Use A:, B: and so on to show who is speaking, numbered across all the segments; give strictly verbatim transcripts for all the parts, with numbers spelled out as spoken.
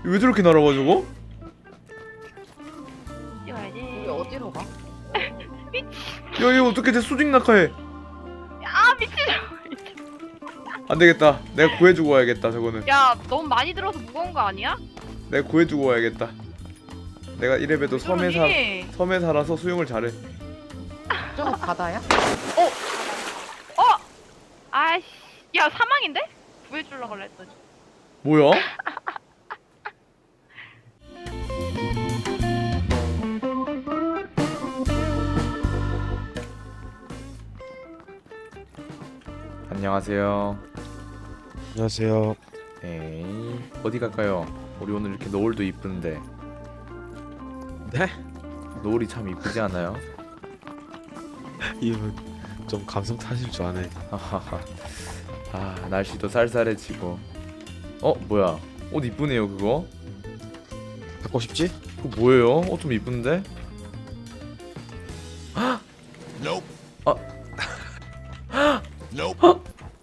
A: 왜 저렇게 날아가 저거?
B: 뛰어야지.
C: 우리 어디로 가?
A: 야 이거 어떻게 돼? 수직 낙하해.
B: 아 미친.
A: 안 되겠다. 내가 구해주고 와야겠다. 저거는
B: 야 너무 많이 들어서 무거운 거 아니야?
A: 내가 구해주고 와야겠다. 내가 이래봬도 섬에 사
B: 그러니.
A: 섬에 살아서 수영을 잘해.
C: 저거 바다야?
B: 어? 아이씨. 야 사망인데? 구해주려고 그래 했더니.
A: 뭐야? 안녕하세요.
D: 안녕하세요.
A: 에이, 어디 갈까요? 우리 오늘 이렇게 노을도 이쁜데.
D: 네?
A: 노을이 참 이쁘지 않아요?
D: 이분 좀 감성 타실 줄 아네.
A: 하하하. 아 날씨도 쌀쌀해지고. 어 뭐야? 옷 이쁘네요 그거.
D: 갖고 싶지?
A: 그거 뭐예요? 옷 좀 이쁜데?
D: Nope.
A: 아.
D: Nope.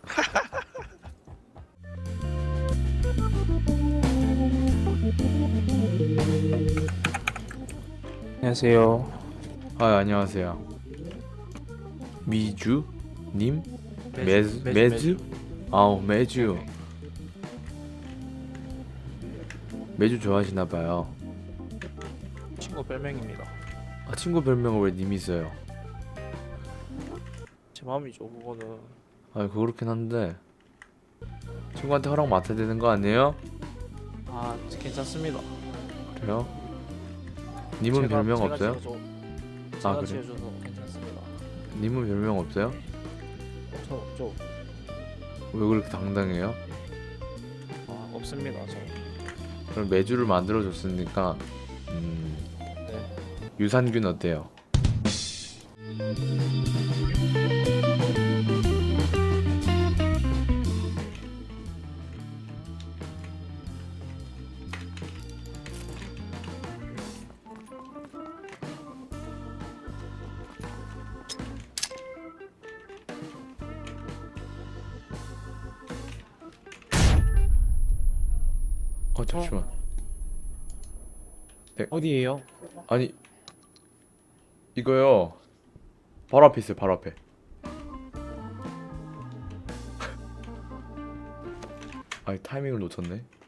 E: 안녕하세요.
A: 아 안녕하세요. 미주 님? 매주
E: 매주,
A: 매주? 아우 매주. 매주 좋아하시나 봐요.
E: 친구 별명입니다.
A: 아 친구 별명을 왜 님이 써요?
E: 제 마음이죠. 그거는
A: 아 그렇긴 한데 친구한테 허락 맡아야 되는 거 아니에요?
E: 아 괜찮습니다.
A: 그래요? 님은
E: 제가-
A: 별명
E: 제가
A: 없어요?
E: 지어줘,
A: 아,
E: 제가
A: 그래?
E: 지어줘도 괜찮습니다.
A: 님은 별명 없어요?
E: 저 없죠.
A: 왜 그렇게 당당해요?
E: 아 없습니다. 저.
A: 그럼 매주를 만들어 줬으니까 음,
E: 네.
A: 유산균 어때요? 어 잠시만.
E: 어디에요?
A: 아니 이거요. 바로 앞에 있어요. 바로 앞에. 아이 타이밍을 놓쳤네.